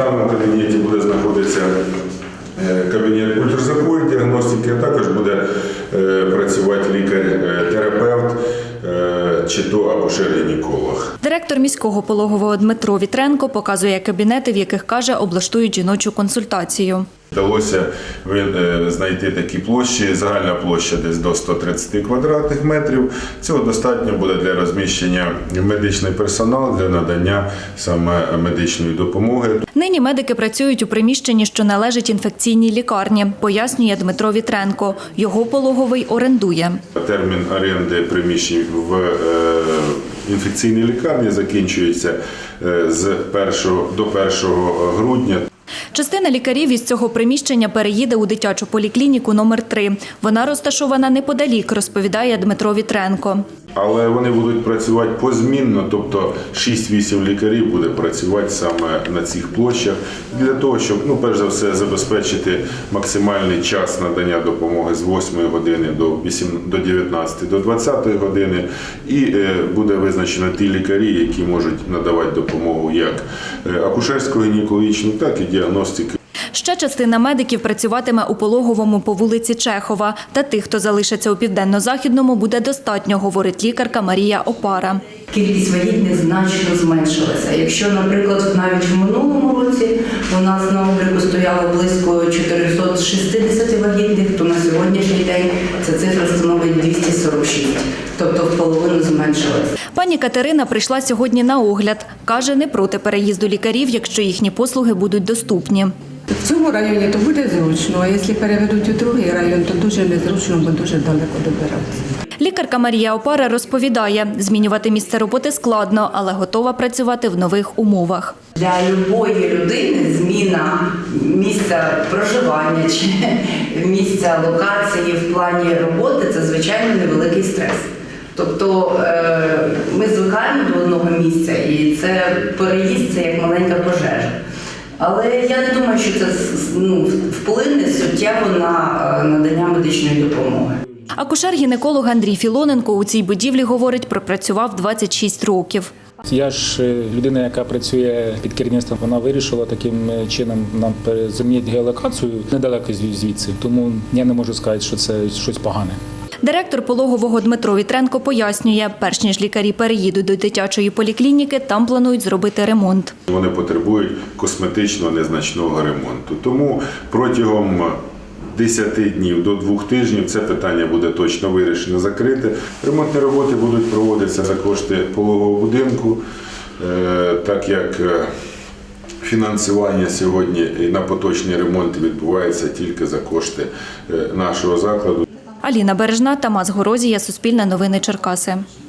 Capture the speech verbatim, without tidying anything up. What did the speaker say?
даному кабінеті буде знаходитися кабінет ультразвукової діагностики, а також буде працювати лікар-терапевт чи то акушер-гінеколог. Директор міського пологового Дмитро Вітренко показує кабінети, в яких, каже, облаштують жіночу консультацію. Вдалося знайти такі площі, загальна площа десь до ста тридцяти квадратних метрів. Цього достатньо буде для розміщення медичний персонал, для надання саме медичної допомоги. Нині медики працюють у приміщенні, що належить інфекційній лікарні, пояснює Дмитро Вітренко. Його пологовий орендує. Термін оренди приміщень в інфекційній лікарні закінчується з першого до першого грудня. Частина лікарів із цього приміщення переїде у дитячу поліклініку номер три. Вона розташована неподалік, розповідає Дмитро Вітренко. Але вони будуть працювати позмінно, тобто шість-вісім лікарів буде працювати саме на цих площах для того, щоб, ну, перш за все, забезпечити максимальний час надання допомоги з восьмої години до дев'ятнадцятої, до двадцятої години. І буде визначено ті лікарі, які можуть надавати допомогу як акушерсько-гінекологічну, так і діагностики. Ще частина медиків працюватиме у пологовому по вулиці Чехова. Та тих, хто залишиться у Південно-Західному, буде достатньо, говорить лікарка Марія Опара. Кількість вагітних значно зменшилася. Якщо, наприклад, навіть в минулому році у нас на обліку стояло близько чотириста шістдесят вагітних, то на сьогоднішній день ця цифра становить двісті сорок шість. Тобто в половину зменшилась. Пані Катерина прийшла сьогодні на огляд. Каже, не проти переїзду лікарів, якщо їхні послуги будуть доступні. В цьому районі то буде зручно, а якщо переведуть у другий район, то дуже незручно, бо дуже далеко добиратися. Лікарка Марія Опара розповідає, змінювати місце роботи складно, але готова працювати в нових умовах. Для будь-якої людини зміна місця проживання чи місця локації в плані роботи – це, звичайно, невеликий стрес. Тобто ми звикаємо до одного місця, і це переїзд – це як маленька пожежа. Але я не думаю, що це, ну, вплине суттєво на надання медичної допомоги. Акушер-гінеколог Андрій Філоненко у цій будівлі, говорить, пропрацював двадцять шість років. Я ж людина, яка працює під керівництвом, вона вирішила таким чином нам замінити геолокацію недалеко звідси. Тому я не можу сказати, що це щось погане. Директор пологового Дмитро Вітренко пояснює, перш ніж лікарі переїдуть до дитячої поліклініки, там планують зробити ремонт. Вони потребують косметичного незначного ремонту. Тому протягом десяти днів до двох тижнів це питання буде точно вирішено, закрите. Ремонтні роботи будуть проводитися за кошти пологового будинку, так як фінансування сьогодні на поточний ремонт відбувається тільки за кошти нашого закладу. Аліна Бережна, Тамас Горозія, Суспільне новини Черкаси.